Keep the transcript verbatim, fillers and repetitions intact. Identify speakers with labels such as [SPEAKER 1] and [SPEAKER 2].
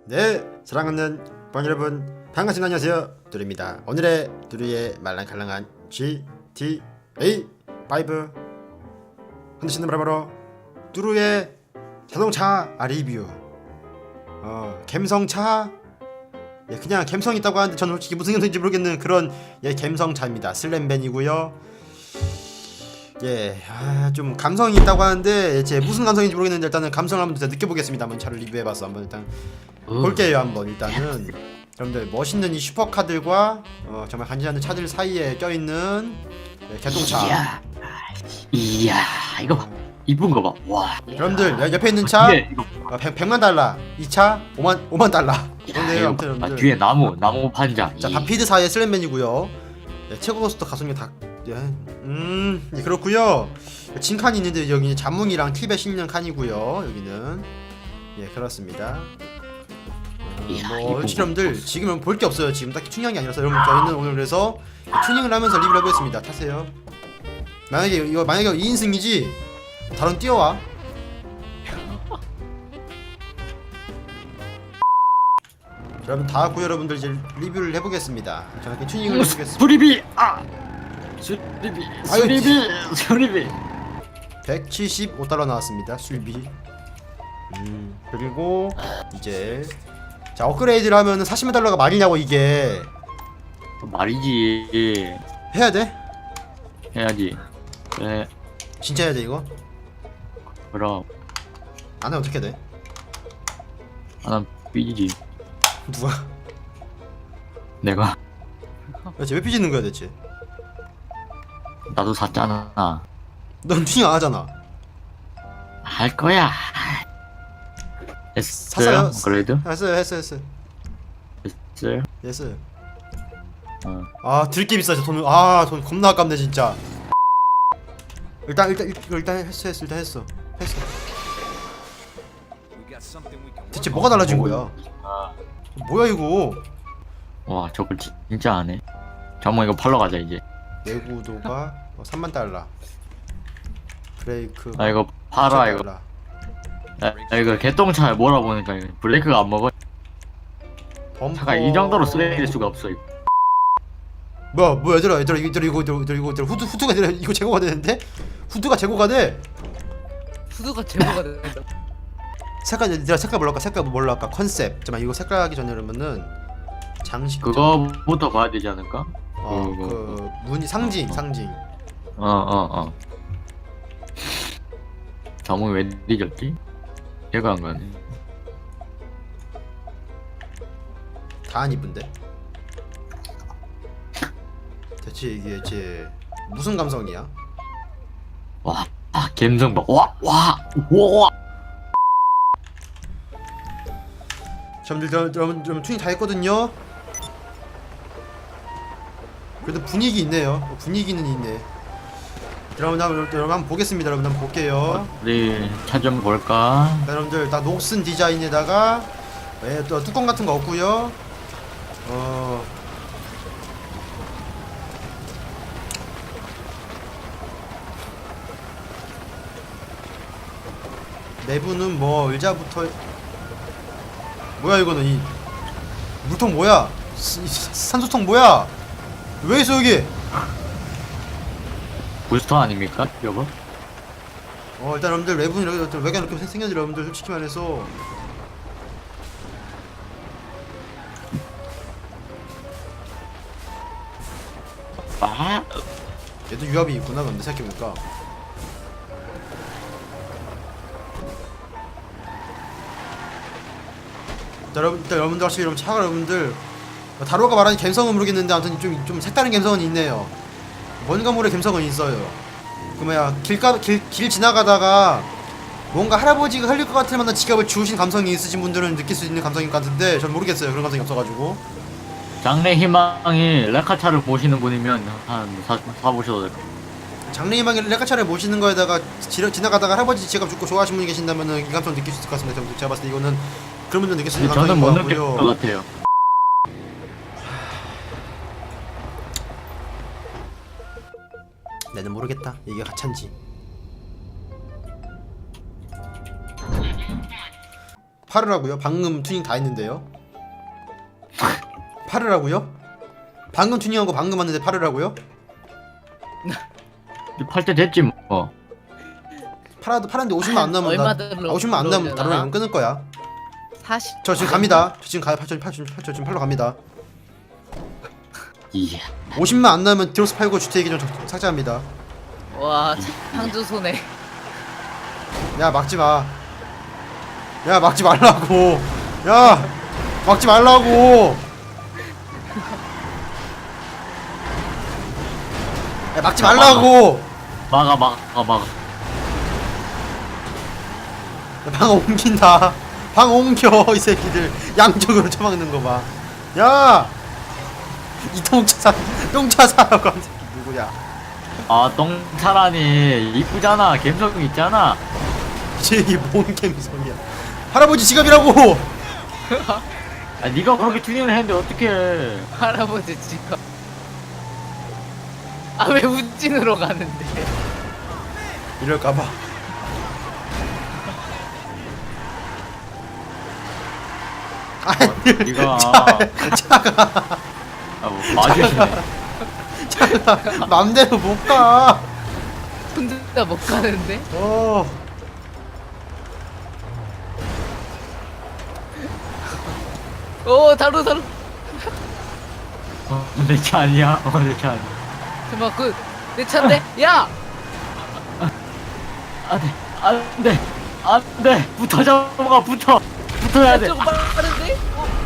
[SPEAKER 1] 네, 사랑하는 방 여러분 반갑습니다. 안녕하세요, 두루입니다. 오늘의 두루의 말랑칼랑한 지티에이 오 흔드시는 바로 두루의 자동차 리뷰. 어, 갬성차. 예, 그냥 갬성 있다고 하는데 저는 솔직히 무슨 갬성인지 모르겠는 그런 예 갬성차입니다. 슬램벤이고요. 예, 아, 좀 감성이 있다고 하는데 예, 제 무슨 감성인지 모르겠는데 일단은 감성을 한번 느껴보겠습니다. 한번 차를 리뷰해봐서 한번 일단
[SPEAKER 2] 어.
[SPEAKER 1] 볼게요. 한번 일단은 여러분들 멋있는 이 슈퍼카들과 어, 정말 간지나는 차들 사이에 껴있는 예, 개똥차.
[SPEAKER 2] 이야, 이야, 이거 봐. 이쁜 거 봐. 와.
[SPEAKER 1] 여러분들 여- 옆에 있는 차
[SPEAKER 2] 뒤에 이거.
[SPEAKER 1] 어, 백, 백만 달러, 이 차 오만 오만 달러.
[SPEAKER 2] 야,
[SPEAKER 1] 그런데
[SPEAKER 2] 이거
[SPEAKER 1] 아무튼
[SPEAKER 2] 봐.
[SPEAKER 1] 여러분들
[SPEAKER 2] 뒤에 나무, 나무 판자.
[SPEAKER 1] 자
[SPEAKER 2] 이-
[SPEAKER 1] 바피드사의 슬램맨이고요. 예, 최고 고스터 가속력 다. 예, 음 예, 그렇고요. 진칸이 있는데 여기는 자몽이랑 팁에 실는 칸이고요. 여기는 예 그렇습니다. 어,
[SPEAKER 2] 이야,
[SPEAKER 1] 뭐
[SPEAKER 2] 이거
[SPEAKER 1] 솔직히
[SPEAKER 2] 뭐-
[SPEAKER 1] 여러분들 지금은 볼 게 없어요. 지금 딱히 튜닝이 아니라서 여러분 저희는 오늘 그래서 튜닝을 하면서 리뷰를 해보겠습니다. 타세요. 만약에 이거 만약에 이 인승이지 다른 뛰어와. 여러분 다 왔고요. 여러분들 이제 리뷰를 해보겠습니다. 정확히 튜닝을 해보겠습니다.
[SPEAKER 2] 수리비. 아. 수리비.
[SPEAKER 1] 아유,
[SPEAKER 2] 수리비. 수리비.
[SPEAKER 1] 백칠십오 달러 나왔습니다. 수입이. 음, 그리고 이제 자 업그레이드를 하면은 사십만 달러가 말이냐고. 이게
[SPEAKER 2] 말이지.
[SPEAKER 1] 해야 돼?
[SPEAKER 2] 해야지. 네.
[SPEAKER 1] 진짜 해야 돼 이거?
[SPEAKER 2] 그럼
[SPEAKER 1] 안 하면 어떻게 돼?
[SPEAKER 2] 나는 삐지지.
[SPEAKER 1] 누가?
[SPEAKER 2] 내가
[SPEAKER 1] 대체 왜 삐지는 거야 대체?
[SPEAKER 2] 나도 샀잖아.
[SPEAKER 1] 넌 튜닝 안 하잖아.
[SPEAKER 2] 할 거야.
[SPEAKER 1] 샀어요?
[SPEAKER 2] 했어요? 그래도
[SPEAKER 1] 했어요 했어요 했어요
[SPEAKER 2] 했어요.
[SPEAKER 1] 했어요.
[SPEAKER 2] 어.
[SPEAKER 1] 아 들게 비싸 저 돈. 아 돈 겁나 아깝네 진짜. 일단 일단 일- 이거 일단 했어 했어 일단 했어 했어. 대체 뭐가 달라진 거야?
[SPEAKER 2] 아.
[SPEAKER 1] 뭐야 이거?
[SPEAKER 2] 와, 저걸 지- 진짜 안 해. 잠깐만 이거 팔러 가자 이제.
[SPEAKER 1] 내구도가 어, 삼만 달러. 브레이크.
[SPEAKER 2] 아 이거 팔아 이거. 야, 야, 이거 개똥차 몰아보니까 이거 브레이크가 안 먹어.
[SPEAKER 1] 범퍼...
[SPEAKER 2] 차가 이 정도로 쓰레기일 수가 없어. 이거.
[SPEAKER 1] 뭐야 뭐야 얘들아 얘들아 이거 얘들아 이거 얘들아 이거 얘들아, 얘들아 후드 후드가 얘들아 이거 제거가 되는데? 후드가 제거가 돼.
[SPEAKER 3] 수도가 제거가 된다.
[SPEAKER 1] 색깔 얘들아 색깔 뭘로 할까? 색깔 뭘로 할까? 컨셉. 잠깐만 이거 색깔 하기 전에 그러면은 장식.
[SPEAKER 2] 그거부터 봐야 되지 않을까?
[SPEAKER 1] 어그
[SPEAKER 2] 그거.
[SPEAKER 1] 무늬 상징 상징.
[SPEAKER 2] 어 어 어. 자몽이 왜 뒤졌지? 얘가 안 가네.
[SPEAKER 1] 다 안 이쁜데? 대체 이게 제 무슨 감성이야?
[SPEAKER 2] 와, 아 갬성 봐. 와, 와, 와.
[SPEAKER 1] 여러분들 여러분 여러분 튜닝 다 했거든요. 그래도 분위기 있네요. 어, 분위기는 있네. 여러분 한번 여러분 한번 보겠습니다. 여러분 한번 볼게요.
[SPEAKER 2] 우리 차 좀 볼까?
[SPEAKER 1] 자, 여러분들 다 녹슨 디자인에다가 예, 또 뚜껑 같은 거 없고요. 어 내부는 뭐 의자부터 뭐야 이거는 이 물통 뭐야? 스- 이 산소통 뭐야? 왜 있어 여기?
[SPEAKER 2] 부스터 아닙니까, 여보?
[SPEAKER 1] 어 일단 여러분들 외부는 이렇게 외관 이렇게 생겼는데 여러분들 솔직히 말해서
[SPEAKER 2] 아,
[SPEAKER 1] 얘도 유압이 있구나. 근데 생각해보니까 자, 여러분, 일단 여러분들 확실히 여러분 차가 여러분들 다루가 말하는 감성은 모르겠는데 아무튼 좀, 좀 색다른 감성은 있네요. 뭔가 모를 감성은 있어요. 그 뭐야 길가 길, 길 지나가다가 뭔가 할아버지가 흘릴 것 같을 만한 지갑을 주우신 감성이 있으신 분들은 느낄 수 있는 감성인 것 같은데 전 모르겠어요. 그런 감성이 없어가지고.
[SPEAKER 2] 장래 희망이 레카차를 보시는 분이면 한 사, 사보셔도 될 것 같아요.
[SPEAKER 1] 장래희망의 레카차를 모시는 거에다가 지, 지나가다가 할아버지 지갑 줍고 좋아하시는 분이 계신다면은 이 감성 느낄 수 있을 것 같습니다. 제가- 제가 봤을 때 이거는 그런 분들 느낄 수 있는
[SPEAKER 2] 저는
[SPEAKER 1] 감성인
[SPEAKER 2] 못
[SPEAKER 1] 것
[SPEAKER 2] 느낄
[SPEAKER 1] 같고요.
[SPEAKER 2] 것 같아요.
[SPEAKER 1] 나는 모르겠다. 이게 가차인지. 팔으라고요? 방금 튜닝 다 했는데요. 팔으라고요? 방금 튜닝한 거 방금 왔는데 팔으라고요?
[SPEAKER 2] 팔 때 됐지 뭐.
[SPEAKER 1] 팔아도 팔았는데 오십만 안 남으면
[SPEAKER 3] 얼마
[SPEAKER 1] 나,
[SPEAKER 3] 들어-
[SPEAKER 1] 아, 오십만 안 남으면
[SPEAKER 3] 들어오려나?
[SPEAKER 1] 다른 애 끊을 거야.
[SPEAKER 3] 사십.
[SPEAKER 1] 저 지금 갑니다. 저 지금 가요. 팔, 저, 팔, 저, 팔, 저 지금 팔러 갑니다.
[SPEAKER 2] 이야.
[SPEAKER 1] 오십만 안 나면 디럭스 팔고 주택 계정 적- 삭제합니다.
[SPEAKER 3] 와 창조 손해.
[SPEAKER 1] 야 막지 마. 야 막지 말라고. 야 막지 말라고. 야 막지 말라고.
[SPEAKER 2] 막아 막아 막아.
[SPEAKER 1] 야, 방 옮긴다. 방 옮겨 이 새끼들 양쪽으로 쳐박는 거 봐. 야 이동차 사 똥차 사라고 한 새끼 누구야?
[SPEAKER 2] 아 똥차라니 이쁘잖아. 감성 있잖아.
[SPEAKER 1] 이게 뭔 감성이야? 할아버지 지갑이라고.
[SPEAKER 2] 아 네가 그렇게 튜닝을 했는데 어떡해.
[SPEAKER 3] 할아버지 지금. 아왜 운진으로 가는데?
[SPEAKER 1] 이럴까봐. 아니
[SPEAKER 2] 네가
[SPEAKER 1] 차가
[SPEAKER 2] 아뭐 맞으시네.
[SPEAKER 1] 차가 맘대로 못 가.
[SPEAKER 3] 혼자 못 가는데?
[SPEAKER 1] 어.
[SPEAKER 3] 오 다루 다루.
[SPEAKER 2] 어, 내 차 아니야? 어, 내 차 아니야.
[SPEAKER 3] 잠깐 그내 차인데? 야!
[SPEAKER 2] 안돼 안돼 안돼 붙어 잡아가 붙어 붙어야 돼.
[SPEAKER 3] 좀 빠른데? 어,